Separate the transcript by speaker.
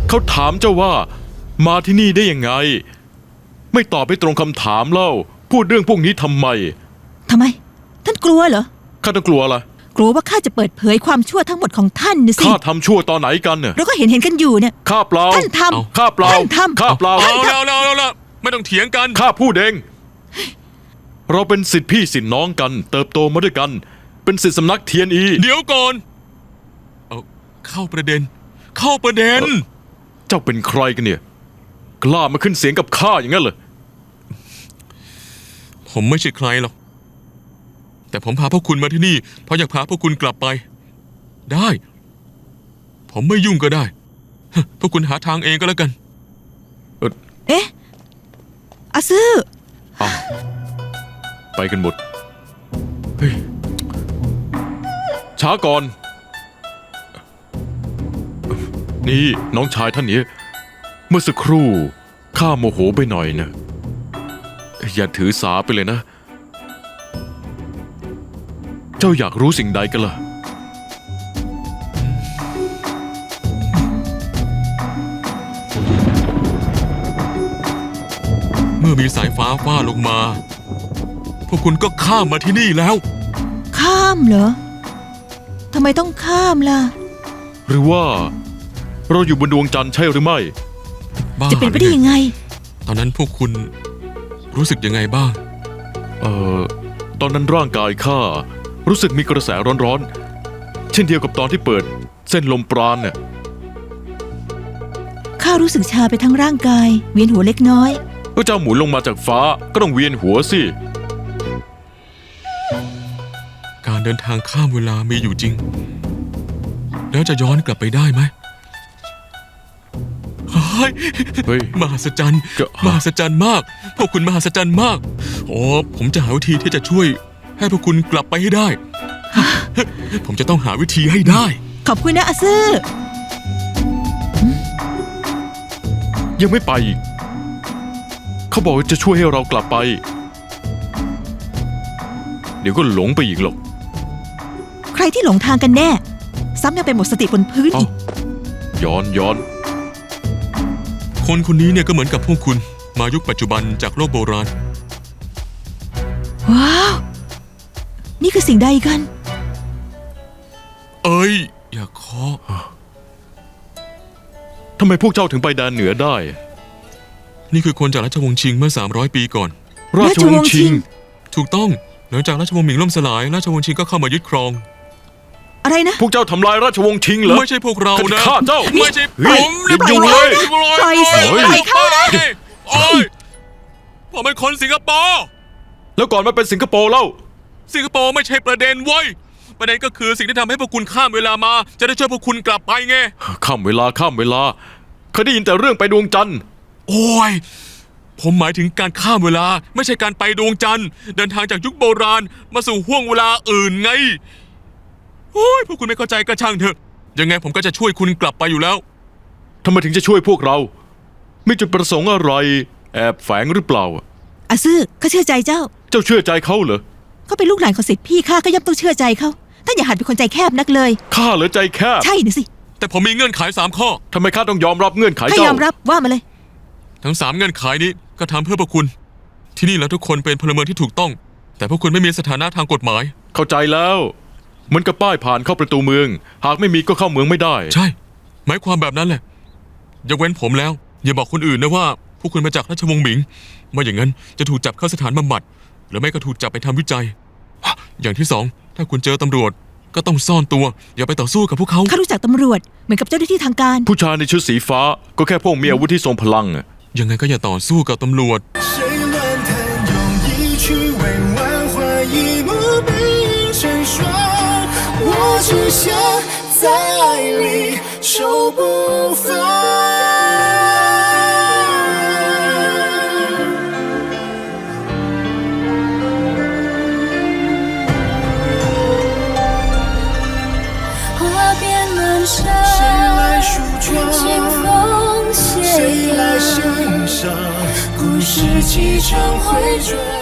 Speaker 1: เขาถามเจ้าว่ามาที่นี่ได้ยังไงไม่ตอบให้ตรงคำถามเล่าพูดเรื่องพวกนี้ทำไม
Speaker 2: ท่านกลัวเหรอ
Speaker 1: ข้าต้องกลัวล่ะ
Speaker 2: กลัวว่าข้าจะเปิดเผยความชั่วทั้งหมดของท่านนะสิ
Speaker 1: ข้าทำชั่วตอนไหนกันเนี่ย
Speaker 2: เราก็เห็นกันอยู่เนี่ย
Speaker 1: ข้าเปล่า
Speaker 2: ท่านทำ
Speaker 1: ข้าเปล่า
Speaker 2: ท่านทำ
Speaker 1: ข้าเปล่า
Speaker 3: แล้วไม่ต้องเถียงกัน
Speaker 1: ข้าพูดเองเราเป็นศิษย์พี่ศิษย์น้องกันเติบโตมาด้วยกันเป็นศิษย์สำนักเทียนอี
Speaker 3: เดี๋ยวก่อนเข้าประเด็น
Speaker 1: เจ้าเป็นใครกันเนี่ยกล้ามาขึ้นเสียงกับข้าอย่างนั้นเหรอ
Speaker 3: ผมไม่ใช่ใครหรอกแต่ผมพาพวกคุณมาที่นี่เพราะอยากพาพวกคุณกลับไปได้ผมไม่ยุ่งก็ได้พวกคุณหาทางเองก็แล้วกัน
Speaker 2: เอ๊ะอาซื่อ
Speaker 1: ไปกันหมดเฮ้ยช้าก่อนนี่น้องชายท่านนี้เมื่อสักครู่ข้าโมโหไปหน่อยนะอย่าถือสาไปเลยนะเจ้าอยากรู้สิ่งใดกันล่ะ
Speaker 3: เมื่อมีสายฟ้าฟาดลงมาพวกคุณก็ข้ามมาที่นี่แล้ว
Speaker 2: ข้ามเหรอทำไมต้องข้ามล่ะ
Speaker 1: หรือว่าเราอยู่บนดวงจันทร์ใช่หรือไม่
Speaker 2: จะเป็นไปได้ยังไง
Speaker 3: ตอนนั้นพวกคุณรู้สึกยังไงบ้าง
Speaker 1: ตอนนั้นร่างกายข้ารู้สึกมีกระแสร้อนๆเช่นเดียวกับตอนที่เปิดเส้นลมปราณเนี่ย
Speaker 2: ข้ารู้สึกชาไปทั้งร่างกายเวียนหัวเล็กน้อย
Speaker 1: ก็เจ้าหมุนลงมาจากฟ้าก็ต้องเวียนหัวสิ
Speaker 3: การเดินทางข้ามเวลามีอยู่จริงแล้วจะย้อนกลับไปได้ไหมเฮ้ยมหัศจรรย์มากพวกคุณมหัศจรรย์มากผมจะหาวิธีที่จะช่วยให้พวกคุณกลับไปให้ได้ผมจะต้องหาวิธีให้ได้
Speaker 2: ขอบคุณนะอาซื่อ
Speaker 1: ยังไม่ไปอีกเขาบอกว่าจะช่วยให้เรากลับไปเดี๋ยวก็หลงไปอีกหรอก
Speaker 2: ใครที่หลงทางกันแน่ซ้ำยังไปหมดสติบนพื้นอีก
Speaker 1: ย้อน
Speaker 3: คนนี้เนี่ยก็เหมือนกับพวกคุณมายุคปัจจุบันจากโลกโบราณ
Speaker 2: ว้าวนี่คือสิ่งใดกัน
Speaker 3: อย่าเคาะ
Speaker 1: ทำไมพวกเจ้าถึงไปแดนเหนือได้
Speaker 3: นี่คือคนจากราชวงศ์ชิงเมื่อ300 ปีก่อน
Speaker 1: ราชวงศ์ชิง
Speaker 3: ถูกต้องหลังจากราชวงศ์หมิงล่มสลายราชวงศ์ชิงก็เข้ามายึดครอง
Speaker 2: อะไรนะ
Speaker 1: พวกเจ้าทำลายราชวงศ์ชิงเหรอ
Speaker 3: ไม่ใช่พวกเรานะ
Speaker 1: ข้าเจ้า
Speaker 3: ไม่ใช่ผม
Speaker 1: อยู่เลย
Speaker 2: ปล่อยสิปล่อยข้า
Speaker 3: ผมเป็นคนสิงคโปร์
Speaker 1: แล้วก่อนมาเป็นสิงคโปร์เล่า
Speaker 3: สิงคโปร์ไม่ใช่ประเด็นเว้ยประเด็นก็คือสิ่งที่ทำให้พวกคุณข้ามเวลามาจะได้ช่วยพวกคุณกลับไปไง
Speaker 1: ข้ามเวลาเคยได้ยินแต่เรื่องไปดวงจันทร์
Speaker 3: ผมหมายถึงการข้ามเวลาไม่ใช่การไปดวงจันทร์เดินทางจากยุคโบราณมาสู่ห้วงเวลาอื่นไงพวกคุณไม่เข้าใจก็ช่างเถอะยังไงผมก็จะช่วยคุณกลับไปอยู่แล้ว
Speaker 1: ทำไมถึงจะช่วยพวกเรามีจุดประสงค์อะไรแอบแฝงหรือเปล่า
Speaker 2: อาซื่อข้าเชื่อใจเจ้า
Speaker 1: เชื่อใจเขาเหรอ
Speaker 2: เขาเป็นลูกหลานของศิษย์พี่ข้าก็ย่อมต้องเชื่อใจเขาท่านอย่าหัดเป็นคนใจแคบนักเลย
Speaker 1: ข้าเหรอใจแคบ
Speaker 2: ใช่นะสิ
Speaker 3: แต่ผมมีเงื่อนไข3 ข้อ
Speaker 1: ทำไมข้าต้องยอมรับเงื่อนไขเจ้า
Speaker 2: ข้ายอมรับว่ามาเลย
Speaker 3: ทั้ง3เงื่อนไขนี้ก็ทำเพื่อพวกคุณที่นี่แล้วทุกคนเป็นพลเมืองที่ถูกต้องแต่พวกคุณไม่มีสถานะทางกฎหมาย
Speaker 1: เข้าใจแล้วเหมือนกับป้ายผ่านเข้าประตูเมืองหากไม่มีก็เข้าเมืองไม่ได้
Speaker 3: ใช่หมายความแบบนั้นแหละยกเว้นผมแล้วอย่าบอกคนอื่นนะว่าพวกคุณมาจากราชวงศ์หมิงไม่อย่างนั้นจะถูกจับเข้าสถานบำบัดหรือไม่ก็ถูกจับไปทำวิจัยอย่างที่2ถ้าคุณเจอตำรวจก็ต้องซ่อนตัวอย่าไปต่อสู้กับพวกเขา
Speaker 2: ข้ารู้จักตำรวจเหมือนกับเจ้าหน้าที่ทางการ
Speaker 1: ผู้ชายในชุดสีฟ้าก็แค่พวกมีอาวุธที่ทรงพลัง
Speaker 3: ยังไงก็อย่าต่อสู้กับตำรวจ只想在爱里手不放花边阑珊谁来梳妆清风谁来欣赏故事起承回转